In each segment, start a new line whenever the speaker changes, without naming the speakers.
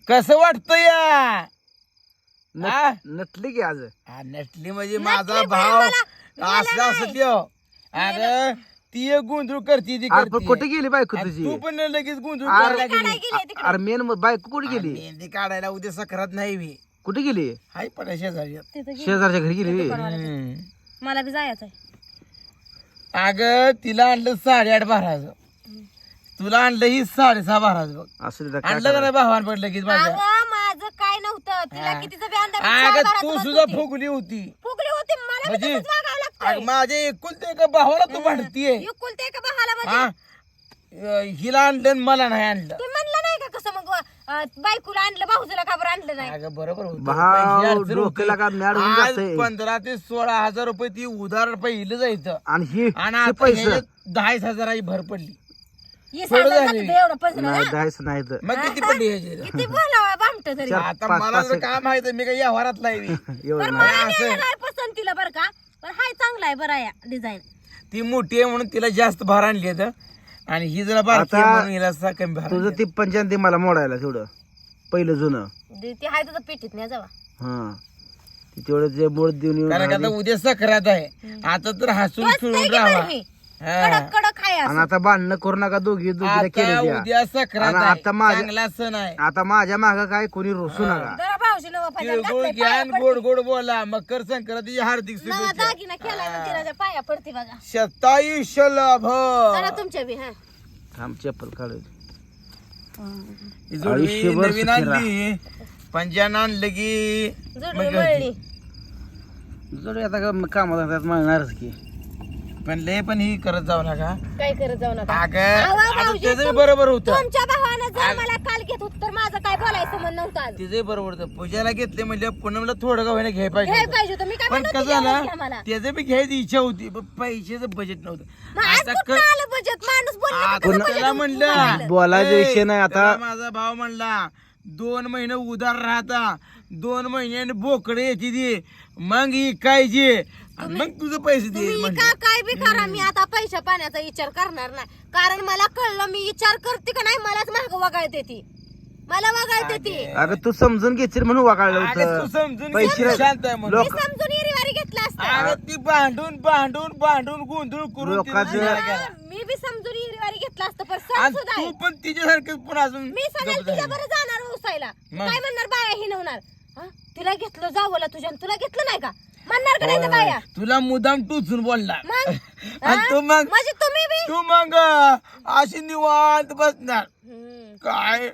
कसं वाटतं या
नटली की आज
नटली म्हणजे माझा भाव असं असं त्यो अरे ती एक गुंजू करते ती करते
कुठे गेली बायको
आणि
तुझी
तू पण लगेच गुंजू करायला गेली.
अरे मेन बायको कुठे गेली
मेहंदी काढायला उद्या सकरात नाही मी
कुठे गेली
हाय पण शेजारी
शेजारच्या घरी गेली
मला बी जायचंय.
अगं तिला आणलं 8.5 बाराचं तुला आणलं ही 6.5 बाराचं बघ
असं काय
आणलं का नाही भावान पडलं की माझ्या
अगं, माझं काय नव्हतं तिला कितीचं बी अंदाज
अगं
चार
तू
बाराचं
सुद्धा
होती.
फुगली होती
फुगली होती मला बी
म्हणजे
तसंच वागावं लागतंय.
अगं माझ्या एकुलते एका भावाला तू भांडतीये
एकुलते एका भावाला म्हणजे
हा हिला आणलं आणि मला नाही आणलं
ते म्हणलं नाही का कसं मग बायकोला आणलं भाऊजीला का बरं आणलं नाही.
अगं बरोबर होतं.
भाव
पैसे अडचण
डोक्याला
होती.
का मॅड होऊन
आज
जातंय.
15,000 ते 16,000 रुपये ती उधार पहिलं जायचं
आणि ही
आणि
हे
आता
पैसे
10,000 भर पडली
हे
थोडं
सांगायला
झालं.
लागतं एवढं पैसे
नाही द्यायचं नाही तर
मग किती पडली ह्याची?
किती बोलावं भामट तरी.
आता
पाच-
मला
पाच
जर
एक-
काय माहित मी काही व्यवहारात लावी
एवढं
पण
नाही
मला
असं.
नाही काय पसंतीला बरं का पण हाय चांगला आहे बरं आहे डिझाईन.
ती मोठी आहे म्हणून तिला जास्त भार आणली आहे आणि ही जरा बारकी आहे
आता
म्हणून हिला असा कमी भार
तुझं
आणली.
ती पंचायती मला मोडायला तेवढं पहिलं जुनं
ती हाय तुझं पिटीत नाही जावा.
हा ती तेवढं ते मोड देऊन येऊन
कारण का आता
आली.
उद्या सकरात आहे आता तर हसून
बस
खेळून
नाही की
राहावा
बरं मी.
हा.
कडक कडक हाय
आणि
असं.
आता भांडणं करू नका दोघीला
आता
केले
उद्या सकरात
आणि
आहे
आता माझ्या-
चांगला सण आहे
आता माझ्या माग काय कोणी रोसू नका
जरा भाऊजी नवा फायदा
तिळगुळ
घातलाय,
घ्या
पाया
आणि
पडते.
गोड गोड बोला मकर संक्रांतीची हार्दिक
नवा
शुभेच्छा
दागिना केलाय म्हणजे तिला पाया पडते बघा.
शतायुष्य लाभ
जरा तुमच्या बी हा
थांब चप्पल काढू
ही जोडवी
आयुष्यभर
नवीन
सुखी राहा.
आणली पंजान आणलं की
जोडवी
मग
मळली.
जर आता कामात म्हणणारच की
पण लय पण ही करत जाऊ नका
काय करत जाऊ नका.
अगं
आवा
आता
भाऊजी,
त्याचं बरोबर होतं
तुमच्या भावानं जर मला काल घेत होत तर माझं काय बोलायचं म्हण नव्हतं आज.
तिचं बरोबर होतं पूजाला घेतले म्हणजे पूनमला थोडं का होईना घ्याय पाहिजे
घ्याय
होतं.
पाहिजे होतं मी काय
पण
म्हणत
कसं
होते घ्या
झालं
मला.
त्याचं बी घ्यायची इच्छा होती पण पैशाचं बजेट नव्हतं
मग आज
आता
कुठं आलं बजेट माणूस बोलला की
आता
कसं budget
त्याला
बघायला?
म्हणलं
बोलायचा
ए,
विषय नाही आता.
त्याला माझा भाव म्हणला 2 महिने उधार राहता 2 महिन्याने बोकडे येते ती मग इकायची आणि मग तुझं पैसे दे
तुम्ही
म्हणलं.
का काय बी करा मी आता पैशा पाण्याचा विचार करणार नाही कारण मला कळलं मी विचार करते का नाही मलाच माग वगाळते ती मला वगाळते ती.
अगं तू समजून घेशील म्हणून वागायला
अगं तू
होतं
समजून घे,
पैसे
तू शांत आहे म्हणून.
मी समजून इरीवारी घेतला असतं.
अगं ती भांडून भांडून भांडून गोंधळ करून
लोकांचं-
तिला विचार केला.
मी बी समजून इरीवारी घेतला असतं पण सण
आणि
सुद्धा
तू
आहे.
पण तिच्यासारखं पण अजून
मी सगळ्या
गप्प झाली.
तिच्या बरं जाणार उसायला
मग?
काय म्हणणार बाया हिनवणार हा? तिला घेतलं जावला तुझ्या आणि तुला घेतलं नाही का म्हणणार का नाही त्या बाया
तुला मुदाम टुचून बोलला
मग
आणि तू मग
म्हणजे तुम्ही बी
तू मग अशी निवांत बसणार काय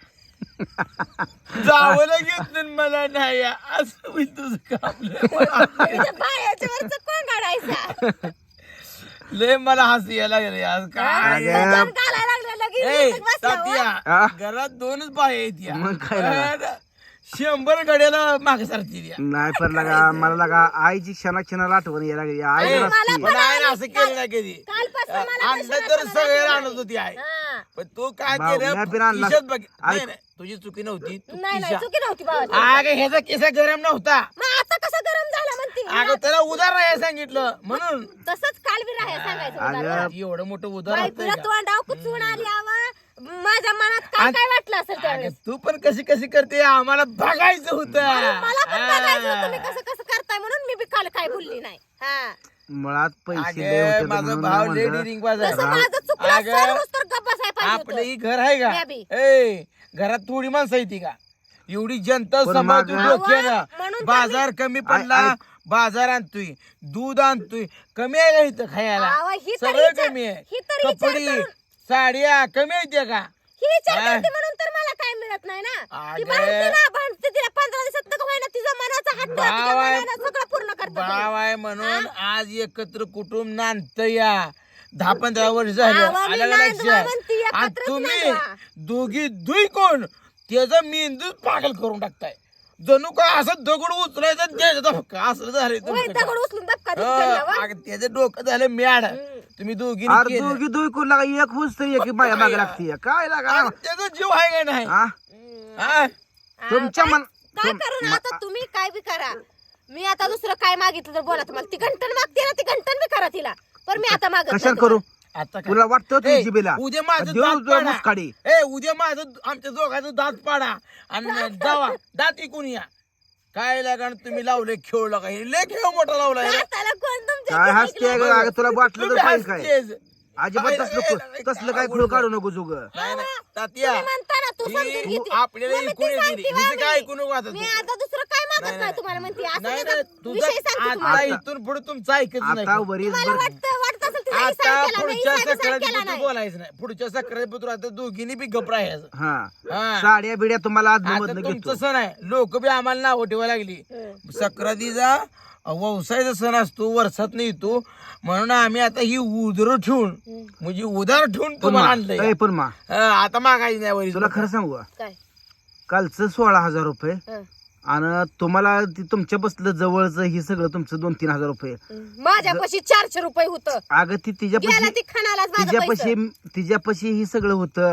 जावं घेतलं आणि मला नाही असं होईल तुझं काम
तुझ्या बायाच्या वरचं कोण काढायचा
लय मला हसू यायला लागले आज काय
जाऊन घालायला लागलं लगेच
ए,
इथं बसल्यावर.
तात्या,
हा?
घरात 2च बाया आहेत या.
मग काय लागा?
100 गड्याला मागे सारखी द्या
नाही पण लागा मला लागा आईची क्षणाला आठवण यायला लागली आई
ए,
जरा
मला
असती.
पण
मला आहे ना असं केलं नाही कधी
कालपासून मला
आणलं
कशाला
तर
कळलं
सगळे
नाही.
आणत होती आहे
हा.
पण तू काय
भाऊ, मी पण
केलं
आणला.
खिशात बघ
ऐक.
नाही, नाही, तुझी चुकी नव्हती तू
नाही नाही
खिशा-
चुकी नव्हती बाबा
अगं ह्याचा केसा गरम नव्हता
मग आता कसं गरम झालं म्हणते
अगं त्याला उधार राहायला सांगितलं म्हणून
तसंच काल बी राहायला सांगायचं
अगं,
उदाहरण.
एवढं मोठं उधार
बायकोला
असतंय का?
तोंडाव कुचून आली आवा माझ्या मनात काय
आणि-
काय वाटलं असेल
अगं,
त्यावेळेस
तू पण कशी कशी करते आम्हाला बघायचं होतं
मला पण बघायचं होतं तुम्ही
हा.
कसं कसं करताय म्हणून मी बी काल काय बोलली नाही हा
मुळात पैसे लय
अगं,
होते
माझा
म्हणून
भाव
मी
लेडी
म्हणलं,
रिंग बाजार
तसं माझं चुकलं
अगं,
सर्वच तर गप्प बसायला पाहिजे
आपलं
होतं.
ही घर आहे का
या बी.
ए घरात थोडी माणसं येते का एवढी जनता
पण
सांभाळतो
मागं-
डोक्यानं
म्हणून तर
बाजार कमी पडला
ऐक.
बाजार आणतोय दूध आणतोय कमी आहे का इथं खायला
अहो, ही तर
सगळं
विचार-
कमी आहे
ही तर विचार
कपडे
करून-
साड्या कमी आहेत का
ही विचार
हा.
करते म्हणून तर मला काय मिळत नाही ना ती
अगं.
भांडते ना भांडते तिला 15 दिवसात नको व्हायना तिचा मनाचा हट्ट तिच्या
भाव आहे.
मनानं सगळं पूर्ण करतो
भाव आहे म्हणून आज एकत्र कुटुंब नांदत या 10-15 वर्ष झालं
भावा, मी
आलं का
नांदवा
लक्षात
म्हणती,
आणि
एकत्रच
तुम्ही
नांदवा.
दोघी दुई कोण त्याचा मेंदूच पागल करून टाकताय जणू काय असं दगड उचलायचा द्यायचा धक्का असं झालंय
होय,
तुमचं
दगड
काम.
उचलून धक्का
हो,
देऊन त्यांना, वा.
अगं, त्याचं डोकं झालं मॅड तुम्ही दोघी
अरे दोघी दोघी कोण लागा एक होच तरी एक बाया मागे लागते काय लागा
त्याचा जीव आहे का नाही
हा?
हा?
तुमच्या
काय-
मन
काय करू ना आता तुम्ही काय बी करा मी आता दुसरं काय मागितलं तर बोला तुम्हाला ती घंटन मागते ना ती घंटन बी करा तिला पण मी आता मागत
कशाला
नाही
करू?
आता काय?
तुला वाटतं
ए,
तुझी बिला
उद्या माझं
देऊ
दात
तुला
पाडा.
मुसकाडी.
उद्या माझं आमच्या दोघांचं दात पाडा आणि जावा दात इकून या. काय लागा तुम्ही लावले खेळ लागा लय खेळ मोठा लावलाय रे.
दाताला कोण तुमच्या
काय हसते अगं तुला वाटलं तर
तुम्ही
पाहिजे काय
हसतेच.
अजिबात तसलं काय खुळ काढू नको जुग
नाही नाही तात्या
तुम्ही म्हणता ना, तू समजून
ही
घेते.
आपल्याला
मग मी
ऐकून
ती
येते
सांगते
हिचं
बा
काय
मी.
ऐकू नको आता
मी
तू.
आता दुसरं काय
नाही,
मागत नाही तुम्हाला म्हणते असं
नाही
त्याचा
नाही तुझं
विषय सांगते तुम्हाला.
आता इथून पुढे तुमचं ऐकत नाही
आता वरील
तुम्हाला वाटत असेल तिला
आता
इसारा केला नाही,
पुढच्या
इसारा
सकाळी
केला नाही.
बोलायचं नाही पुढच्या सकाळी आता दोघींनी बी गप राहायचं.
हा
हा.
साड्या बिड्या तुम्हाला
आता
आदमधनं घेतो
तुमचं सण आहे लोक बी आम्हाला नावं ठेवायला लागली. सक्रातीचा व्यवसायाचा सण असतो वर्षात नाही येतो म्हणून आम्ही आता ही उदर ठेवून म्हणजे उदार ठेवून
पण
तुम्हाला
मा
आणलंय.
ए, पण मा
आता मागायची नाही वरी
तुला खरं सांगू का?
काय
कालचं 16,000 रुपये
हं.
आणि तुम्हाला तुमच्या बसलं जवळचं हे सगळं तुमचं 2-3 हजार रुपये
माझ्यापाशी 400 रुपये होतं.
अगं ती
गेला
तिच्यापाशी
ती खाणालाच माझं पैसे.
तिच्यापाशी हे सगळं होतं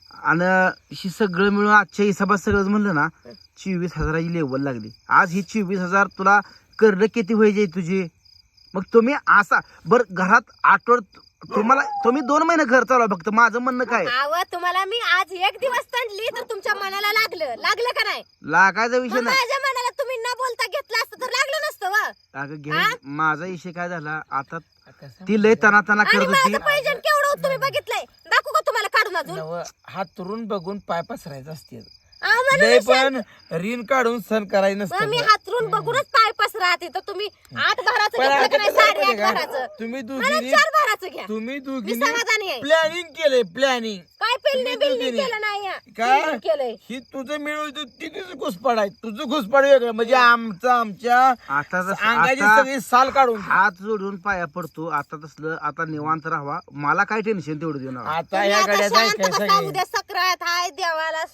आणि हे सगळं मिळून आजच्या हिसाबात सगळं म्हणलं ना 24,000ची लेवल लागली. आज ही 24,000 तुला करणं किती व्हायचे तुझे? मग तुम्ही असा घरात तुम्ही 2 महिने घर चालवा फक्त. माझं म्हणणं काय
आव तुम्हाला मी आज एक दिवस तंडली तर तुमच्या मनाला लागलं का नाही?
लागायचा विषय
मग
नाही.
माझ्या मनाला तुम्ही न बोलता घेतलं असतं तर लागलं नसतं वा.
अगं घे माझा विषय काय झाला आता ती लय तना
आणि
करत होती.
माझं पैजण केवढं होतं तुम्ही बघितलंय? दाखवू का तुम्हाला काढून अजून?
हात तुरून बघून पाय पसरायचं असते
आव म्हणून
लय
मी
पण ऋण काढून सण करायचं
मग मी
नसतं.
हातरून बघूनच पाय पसराते तर तुम्ही 8 भराचं
पण
घेतलं
आता
का नाही?
कसं
8.5
माहितीये का?
भराचं.
तुम्ही
मला
दोघींनी
4 भराचं घ्या.
तुम्ही
मी
दोघींनी
समाधानी आहे.
प्लॅनिंग केलंय प्लॅनिंग
काय पेलणे
तुम्ही
बिलणे
दोघींनी.
केलं नाही या.
काय
पेलणे केलंय.
ही तुझं मिळवतो ती तुझं घुसपाड आहे तुझं घुसपाड वेगळं म्हणजे आमच्या
आता
अंगाची
आता
सगळी साल काढून घे.
हात जोडून पाया पडतो. आता तसलं आता निवांत राहावा. मला काय टेन्शन तेवढं देऊ नका.
आता
तुम्ही
या
आता
गाड्या
शांत
जायचंय
बसा.
सगळे
उद्या सक्रात हाय देवाला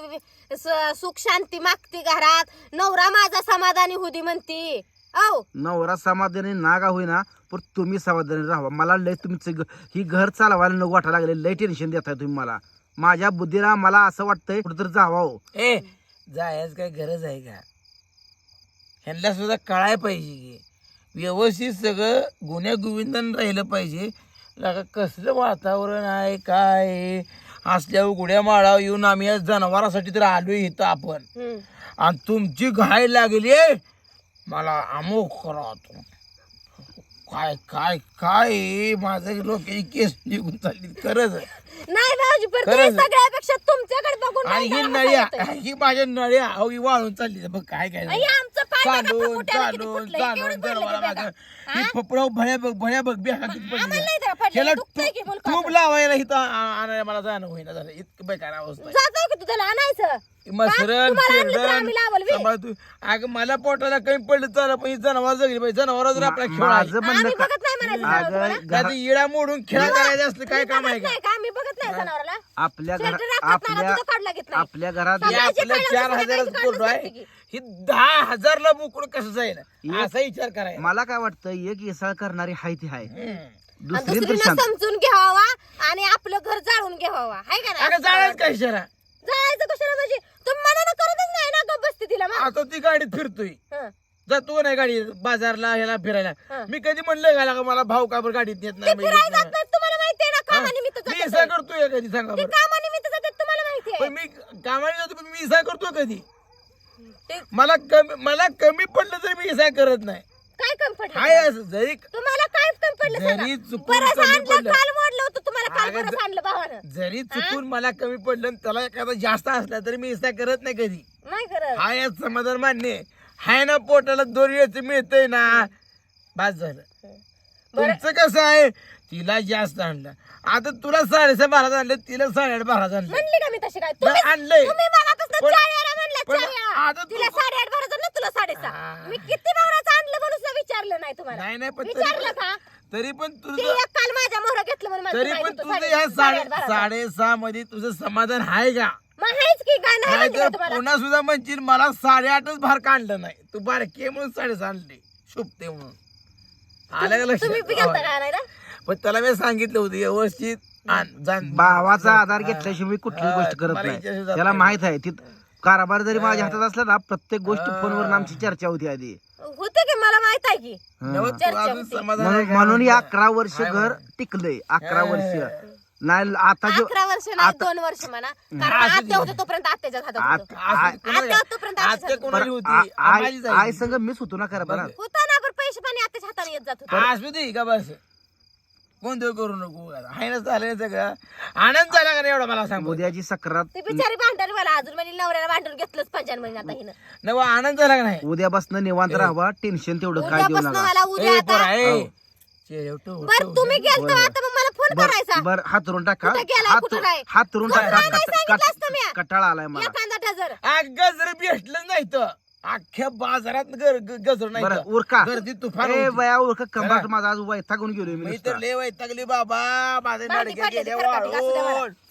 सुख शांती मागती घरात. नवरा माझा समाधानी होती म्हणती. औ
नवरा समाधानी नागा होईना पण तुम्ही समाधानी राहा. मला लय तुमचं ही घर चालवायला नको वाटायला लागले. लय टेन्शन देताय तुम्ही मला. माझ्या बुद्धीला मला असं वाटतंय कुठेतरी जावावं.
ए जायच काय गरज आहे का? ह्यांना सुद्धा कळाय पाहिजे की व्यवस्थित सगळं गुन्ह्या गोविंदान राहिलं पाहिजे. लगा कसलं वातावरण आहे काय आहे? असल्यावर गुड्या माळावर येऊन आम्ही या जनावरांसाठी तर आलोय इथं आपण आणि तुमची घाय लागली मला अमुक करा काय काय काय माझं डोक्याची केस निघून चालली खरंच
नाही भाऊजी पण
खरंच.
तुम्ही सगळ्यापेक्षा तुमच्याकडे बघून
आणि
मला
ही
हसायला
नळ्या
येतंय.
ही माझ्या नळ्या अहो ही वाळून चालली बघ काय काय
आई, आमचं पाय बघा
चालून
फुटायला किती
चालून
फुटलंय.
चालून
केवढं भरलं
जनावरा
ते
मागं
बघा.
ही फपडाव भळ्या बघ बेहा किती
आम्हाला
पडली
नाही तर पडलं.
त्याला
दुखतंय की मुलगा.
तूप लावायला इथं आणायला मला जाणं होईना झालं इतकं बेकार अवस्था आहे.
जातो की तुझ्याला आणायचं.
मसरण
तुम्हाला आणलं तर आम्ही लावलं बे.
सांभाळ तू अगं मला पोटाला कमी पडलं चाललं पण ही जनावर जगली पाहिजे जनावर जर आपला खेळ आहे
माझं म्हणणं
आम्ही
का-
बघत नाही म्हणायचं जनावराला.
अगं
त्यात
घरा-
इडा मोडून खेळ करायचं असलं काय
मी
काम आहे
बघत
का
नाही का? आम्ही बघत नाही जनावराला.
आपल्या
शेटर
घरात
राखत नाही
आपल्या
ना, तुझं काढलं घेत नाही.
आपल्या घरात
हे
समाजाची
आपलं
काढलं
4,000
दुसरं
कोरडं
काढलं
आहे
की.
ही 10,000ला बोकड कसं जाईल असा विचार करायला
मला काय वाटतं एक येसाळ करणारी हाय ती हाय.
हम्म.
आणि
दुसरी तर
दुसरीनं
शांत.
समजून घ्यावा आणि आपलं घर जाळून घ्यावा हाय का
अगं
नाही?
जाळायच काय शरा
जाळायचं कशाला म्हणजे तुम्ही मनानं करतच नाही ना गप्प बसते तिला मग.
आता ती गाडीत फिरतोय
हं.
जातो नाही गाडी बाजारला ह्याला फिरायला
हं.
मी कधी म्हणलं घाला का मला भाऊ का बरं गाडीत नेत
ते
नाही मी
फिरायला
येत
जात
नाही.
नाहीत, तुम्हाला माहितीये ना
हा?
कामानिमित्त
मी
जातात
इसा
ते.
करतोय कधी सांगा
ते
बरं
कामानिमित्त जातात तुम्हाला माहितीये.
पण मी कामाने जातो पण मी इसा करतो कधी
ते
मला कमी पडलं तरी मी इसा करत नाही
काय कमी पडलं
हाय
तुम्हाला?
असं जरी
तुम्हाला काय कमी पडलं
जरी
सांगा?
चुकून
बरंच
कमी
आणलं,
पडलं.
काल मोडलं होतं तुम्हाला काल
अगं
बरंच आणलं भावानं.
जरी चुकून मला कमी पडलं आणि त्याला एखादा जास्त असला तरी मी इसा करत नाही कधी
नाही करत.
हाय यात समाधान मान्य आहे. हाय ना पोटाला 2 वेळचं मिळतंय ना बस झालं. तुमचं कसं आहे तिला जास्त आणलं आता तुला 6.5 बारात आणलं तिला 8.5 बारात आणलं
म्हणली का मी तशी काय?
नाही, आणलंय.
तुम्ही मगापासून
पण-
4 वेळा म्हणला,
पण
4 वेळा.
आता तू-
तिला 8.5 भरायचं ना तुला 6.5.
हा.
मी किती भरायचं आणलं म्हणून सुद्धा विचारलं नाही तुम्हाला.
नाही नाही पण
विचारलं का?
तरी पण
ते
तुझं
एक काल माझ्या मोहर घेतलं म्हणून मला
तरी
माहित
पण
होतं
तुझं
8.5
ह्या
8.5
6.5 मध्ये तुझं समाधान आहे का
मग आहेच की काय नाही
नाही
म्हणते का
तर
तुम्हाला?
पुन्हा सुद्धा म्हणशील मला 8.5च भार काढलं नाही तू बारके म्हणून 8.5 आणले शुभते म्हणून आलं का
तुम्ही बी
लक्षात
गेलता का आणायला?
पण त्याला मी सांगितलं होतं व्यवस्थित आण,
भावाचा आधार घेतल्याशिवाय मी कुठली
हा,
गोष्ट करत
मला
नाही.
हिच्याशी जात
त्याला
नाही.
माहित आहे ती कारभार जरी माझ्या हातात असला ना प्रत्येक गोष्ट फोनवर आमची चर्चा होती आधी.
होते की मला माहित आहे की
नवं तू अजून समाधान आहे
म्हणून
का?
म्हणून 11 वर्ष घर टिकलंय. 11 वर्ष नाही आता जो
11 वर्ष नाही 2 वर्ष म्हणा कारण आत्या होते तोपर्यंत आत्याच्या हातात होतं. आत्या तोपर्यंत
आत्या
आत्याच्या हातात
कोणाची होती? माझीच आहे.
आई संग मीच होतो ना कारभारात.
होता ना पण पैसे पाणी आत्याच्या हाताने येत जात होते.
असू दे का बस कोणतं करू नको आहे ना चालेल सगळं आनंद झाला का नाही एवढा मला सांग
उद्याची सक्रात
ती बिचारी भांडण मला अजून म्हणजे नवऱ्याला भांडून घेतलंच पाहिजे म्हणजे आता हिनं
नवा आनंद झाला का नाही
उद्यापासून निवांत राहावा. टेन्शन तेवढं काय देऊ
उद्यापासून
नका.
मला उद्या आता बर तुम्ही गेलतो आता मग मला फोन करायचा
बर हात धरून टाका.
कुठं गेलाय, कुठं नाही?
हात धरून
कुठं
टाका.
नाही सांगितलं असतं मी.
कटाळा आलाय मला.
एखादा डझर
अगं जर भेटलं नाही तर अख्ख्या बाजारात गजर नाही
बरं
तर.
उरका
गर्दी तुफान
ए
होती.
बया उरका कंबाट माझा आज वैतागून गेलोय मी
मी
नुसता.
तर लय वैतागली बाबा माझे
भांडी
नडक्या
पडलेली
गेल्या
खरकटी, असू द्या मला.
वाळून